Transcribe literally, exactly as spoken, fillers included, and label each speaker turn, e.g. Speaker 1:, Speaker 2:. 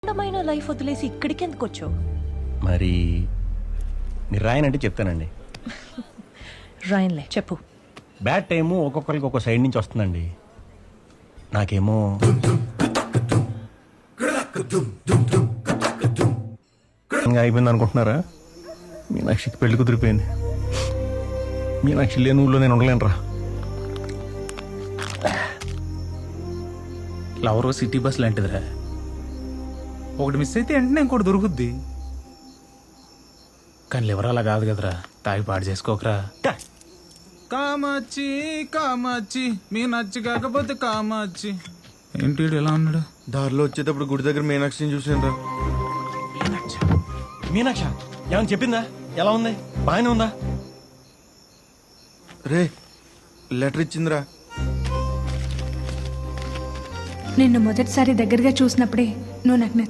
Speaker 1: అందమైన లైఫ్ వదిలేసి ఇక్కడికి ఎందుకు వచ్చావు?
Speaker 2: మరి మీరు రాయనంటే చెప్తానండి.
Speaker 1: రాయన్లే, చెప్పు.
Speaker 2: బ్యాడ్ టైము ఒక్కొక్కరికి ఒక్కో సైడ్ నుంచి వస్తుందండి. నాకేమో ఇంకా అయిపోయింది అనుకుంటున్నారా? మీనాక్షికి పెళ్లి కుదిరిపోయింది. మీనాక్షి లేని ఊళ్ళో నేను ఉండలేనురా.
Speaker 3: లవర్ సిటీ బస్ లాంటిదిరా, ఒకటి మిస్ అయితే వెంటనే ఇంకోటి దొరుకుద్ది. కానీ లివర్ అలా కాదు కదరా, తాగి పాడు చేసుకోకరా. కామాచి కామాచి మీ నచ్చి కాకపోతే కామాచి. ఏంటి వీడు ఎలా ఉన్నాడు?
Speaker 4: దారిలో వచ్చేటప్పుడు గుడి దగ్గర మీనాక్షిని చూసాను రా.
Speaker 2: మీనాక్ష ఏమని చెప్పిందా? ఎలా ఉంది? బాగానే ఉందా?
Speaker 4: రే లెటర్ ఇచ్చిందిరా.
Speaker 5: నిన్ను మొదటిసారి దగ్గరగా చూసినప్పుడే నువ్వు నాకు